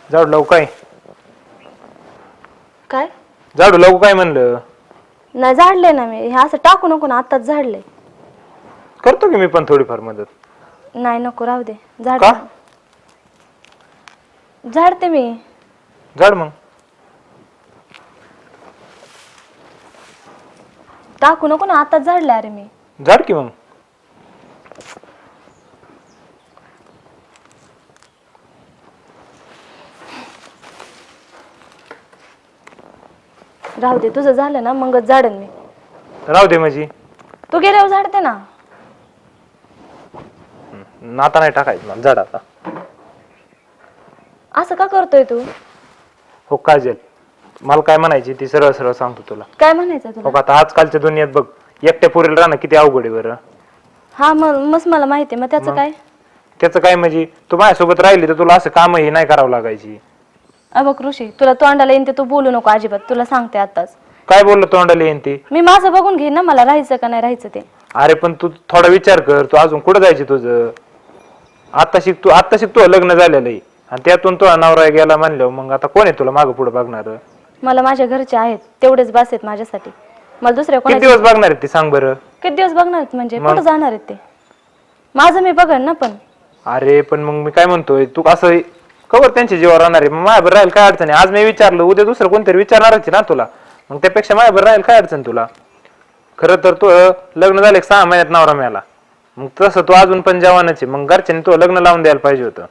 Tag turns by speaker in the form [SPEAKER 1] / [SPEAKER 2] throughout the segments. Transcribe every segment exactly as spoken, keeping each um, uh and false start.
[SPEAKER 1] झाडू लावू काय?
[SPEAKER 2] काय?
[SPEAKER 1] झाडू लावू काय म्हणलं?
[SPEAKER 2] नाही झाडले ना मी, हे असं टाकू नको ना, आताच झाडले.
[SPEAKER 1] करतो की मी पण थोडीफार मदत.
[SPEAKER 2] नाही नको, राहू दे. झाड
[SPEAKER 1] का?
[SPEAKER 2] झाडते मी.
[SPEAKER 1] झाड मग.
[SPEAKER 2] टाकू नको ना, आताच झाडले. अरे मी
[SPEAKER 1] झाड की मग.
[SPEAKER 2] राहू दे, तुझं झालं ना मगच झाडन मी.
[SPEAKER 1] राहू दे माझी.
[SPEAKER 2] तू गेल्यावर झाडते ना.
[SPEAKER 1] नाता नाही टाकायचं मला झाड आता.
[SPEAKER 2] असं का करतोय तू?
[SPEAKER 1] हो काजल, मला काय म्हणायची ती सरळ सरळ सांगतो तुला.
[SPEAKER 2] काय म्हणायचं
[SPEAKER 1] हो
[SPEAKER 2] तुला?
[SPEAKER 1] का, आता आजकालच्या दुनियेत बघ, एकट्या पोरीला राहणं किती अवघड आहे बरं.
[SPEAKER 2] हा मग मस्त मला माहिती आहे. मग त्याचं काय?
[SPEAKER 1] त्याचं काय म्हणजे, तू माझ्यासोबत राहिली तर तुला असं कामही नाही करावं लागायची.
[SPEAKER 2] अबक ऋषी, तुला तोंडाला येईन ते तू बोलू नको अजिबात. तुला सांगते आताच.
[SPEAKER 1] काय बोललो तोंडाला येईन ते?
[SPEAKER 2] मी माझं बघून घेईन ना, मला राहायचं का नाही राहायचं ते.
[SPEAKER 1] अरे पण तू थोडा विचार कर, तू अजून कुठं जायची तुझं? आता शिक तू आता शिक तू लग्न झालेलं आहे आणि त्यातून तो नवरा गेला म्हणल्यावर मग आता कोण आहे तुला मागं पुढे बघणार?
[SPEAKER 2] मला माझ्या घरचे आहेत तेवढेच बास आहेत माझ्यासाठी. मला दुसऱ्या
[SPEAKER 1] किती
[SPEAKER 2] कोणाचे
[SPEAKER 1] दिवस बघणार आहेत ते सांग बरं?
[SPEAKER 2] किती दिवस बघणार आहेत म्हणजे कुठं जाणार आहेत ते? माझं मी बघन ना. पण
[SPEAKER 1] अरे पण मग मी काय म्हणतोय, तू असं कवर त्यांच्या जीवावर राहणार आहे? मग माझ्यावर राहील काय अडचण आहे? आज मी विचारलं, उद्या दुसरं कोणतरी विचारणारच आहे ना तुला. मग त्यापेक्षा माझ्यावर राहील काय अडचण तुला? खरं तर तू लग्न झालं सहा महिन्यात नवरा मिळाला, मग तसं तू अजून पण जवानच आहे. मग घरच्यांनी तू लग्न लावून द्यायला पाहिजे होतं.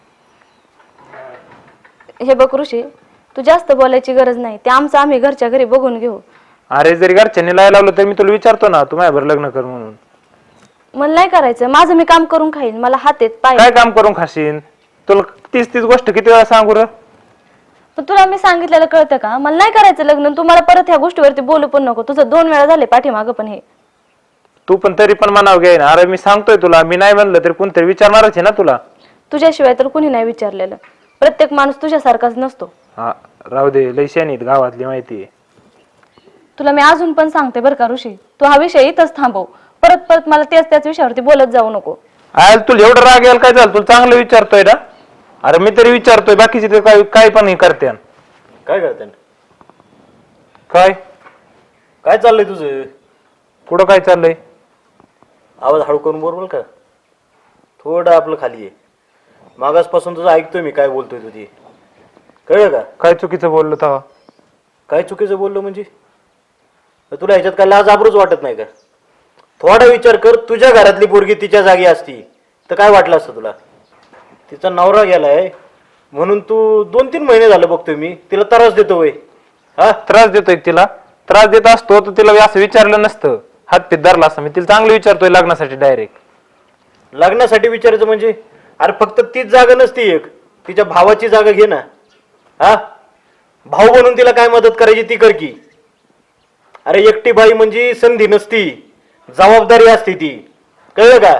[SPEAKER 2] हे बघ ऋषी, तू जास्त बोलायची गरज नाही. ते आमचं आम्ही घरच्या घरी बघून घेऊ.
[SPEAKER 1] अरे जरी घरच्यांनी लाय लावलं तर मी तुला विचारतो ना, तू माझ्यावर लग्न कर म्हणून.
[SPEAKER 2] मला नाही करायचं. माझं मी काम करून खाईन. मला हात आहेत, पाय.
[SPEAKER 1] काय काम करून खाशील? तुला तीस तीस गोष्ट किती वेळा सांगू र?
[SPEAKER 2] पण तुला मी सांगितलेलं कळतं का? मला नाही करायचं लग्न. तू मला परत ह्या गोष्टीवरती बोलू पण नको. तुझं दोन वेळा झाले पाठीमागं पण हे.
[SPEAKER 1] तू पण तरी पण मनाव घे ना. अरे मी सांगतोय तुला, मी नाही म्हणलं तरी कोणतरी विचारणारच आहे ना तुला.
[SPEAKER 2] तुझ्याशिवाय तर कुणी नाही विचारलेलं. प्रत्येक माणूस तुझ्यासारखाच नसतो.
[SPEAKER 1] हा राहू दे, लय शहाणी आहेत गावातली माहिती आहे.
[SPEAKER 2] तुला मी अजून पण सांगते बरं का ऋषी, तू हा विषय इथंच थांबव. परत परत मला त्याच त्याच विषयावरती बोलत जाऊ नको.
[SPEAKER 1] आयल तुला एवढं राग यायला काय झालं? तुला चांगलं विचारतोय ना. अरे मी तरी विचारतोय, बाकीचे ते काय काय पण करते.
[SPEAKER 3] काय करते?
[SPEAKER 1] काय
[SPEAKER 3] काय चाललंय तुझं?
[SPEAKER 1] पुढं काय चाललंय?
[SPEAKER 3] आवाज हळू करून बोल का. थोडं आपलं खाली आहे. मागासपासून तुझं ऐकतोय मी, काय बोलतोय तुझी. कळलं का?
[SPEAKER 1] काय चुकीचं बोललो तेव्हा?
[SPEAKER 3] काय चुकीचं बोललो म्हणजे? तुला ह्याच्यात काय लाज आबरूच वाटत नाही का? थोडा विचार कर, तुझ्या घरातली पोरगी तिच्या जागी असती तर काय वाटलं असतं तुला? तिचा नवरा गेलाय म्हणून तू दोन तीन महिने झालं बघतोय मी तिला त्रास देतो वय. हा
[SPEAKER 1] त्रास देतोय तिला? त्रास देत असतो तर तिला असं विचारलं नसतं, हात पीत धरला असं. मी तिला चांगलं विचारतोय लग्नासाठी डायरेक्ट.
[SPEAKER 3] लग्नासाठी विचारायचं म्हणजे? अरे फक्त तीच जागा नसती एक, तिच्या भावाची जागा घे ना. हा भाऊ बनून तिला काय मदत करायची ती कर की. अरे एकटी बाई म्हणजे संधी नसती, जबाबदारी असते ती. कळलं का?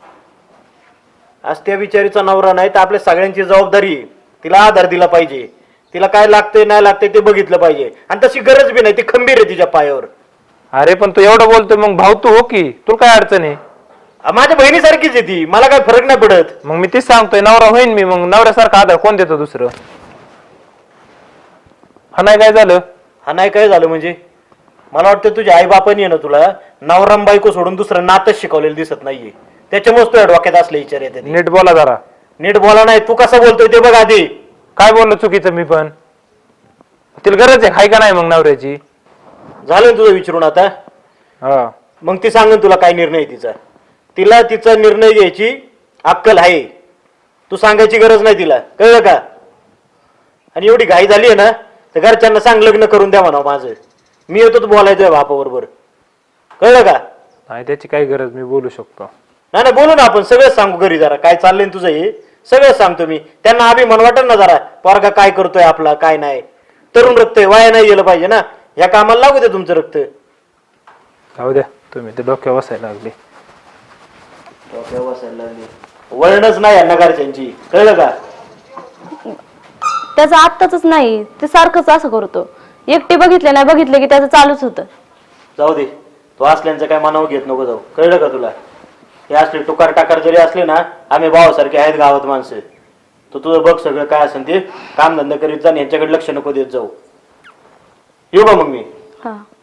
[SPEAKER 3] आज त्या बिचारीचा नवरा नाही तर आपल्या सगळ्यांची जबाबदारी. तिला आधार दिला पाहिजे, तिला काय लागतंय नाही लागतंय ते बघितलं पाहिजे. आणि तशी गरज बी नाही, ती खंबीर आहे तिच्या पायावर.
[SPEAKER 1] अरे पण तू एवढं बोलतोय, मग भाऊ तू हो की. तुला काय अडचण आहे?
[SPEAKER 3] माझ्या बहिणीसारखीच आहे ती, मला काय फरक नाही पडत.
[SPEAKER 1] मग मी तेच सांगतोय, नवरा होईन मी. मग नवऱ्यासारखा आधार कोण देतो दुसरं? हा नाही काय झालं?
[SPEAKER 3] हा नाही काय झालं म्हणजे? मला वाटतं तुझ्या आई बापानी आहे ना तुला नवराम बायको सोडून दुसरं नातच शिकवलेलं दिसत नाहीये. त्याच्यामुळेच तुझ्या डोक्यात असले विचार येते.
[SPEAKER 1] नीट बोला जरा.
[SPEAKER 3] नीट बोला नाही, तू कसं बोलतोय ते बघ आधी.
[SPEAKER 1] काय बोललो चुकीचं मी? पण तिला गरज आहे हाय का नाही मग नवऱ्याची?
[SPEAKER 3] झालं तुझं विचारून आता?
[SPEAKER 1] हा
[SPEAKER 3] मग ती सांगेन तुला काय निर्णय आहे तिचा. तिला तिचा निर्णय घ्यायची अक्कल आहे, तू सांगायची गरज नाही तिला. कळलं का? आणि एवढी घाई झाली आहे ना तर घरच्यांना सांग लग्न करून द्या म्हणा माझं. मी येतो तू बोलायचंय बापाबरोबर. कळलं का?
[SPEAKER 1] नाही त्याची काय गरज, मी बोलू शकतो.
[SPEAKER 3] नाही नाही बोलू ना आपण, सगळं सांगू घरी. जरा काय चाललंय तुझं हे सगळं सांगतो मी. त्यांना अभिमान वाटेल ना जरा, पोरगा काय करतोय आपला काय नाही. तरुण रक्त आहे, वाया नाही गेलं पाहिजे ना. या कामाला लागू दे तुमचं रक्त.
[SPEAKER 1] जाऊ द्या तुम्ही, ते डोक्यावर बसायला लागले.
[SPEAKER 3] डोक्यावर बसायला लागले, वळणच नाही यांना घरच्यांची. कळलं का?
[SPEAKER 2] त्याचं आत्ताच नाही, ते सारखंच असं करतो. एकटी बघितले नाही बघितले की त्याचं चालूच होतं.
[SPEAKER 3] जाऊ दे, तू असल्यांचं काय मनावर घेत नको जाऊ. कळलं का तुला? हे असले टुकार टाकार जरी असले ना, आम्ही भावासारखे आहेत गावात माणसं. तो तुझं बघ सगळं काय असेल ते काम धंदा करीत जा आणि यांच्याकडे लक्ष नको देत जाऊ. येऊ का मग मी?
[SPEAKER 2] हा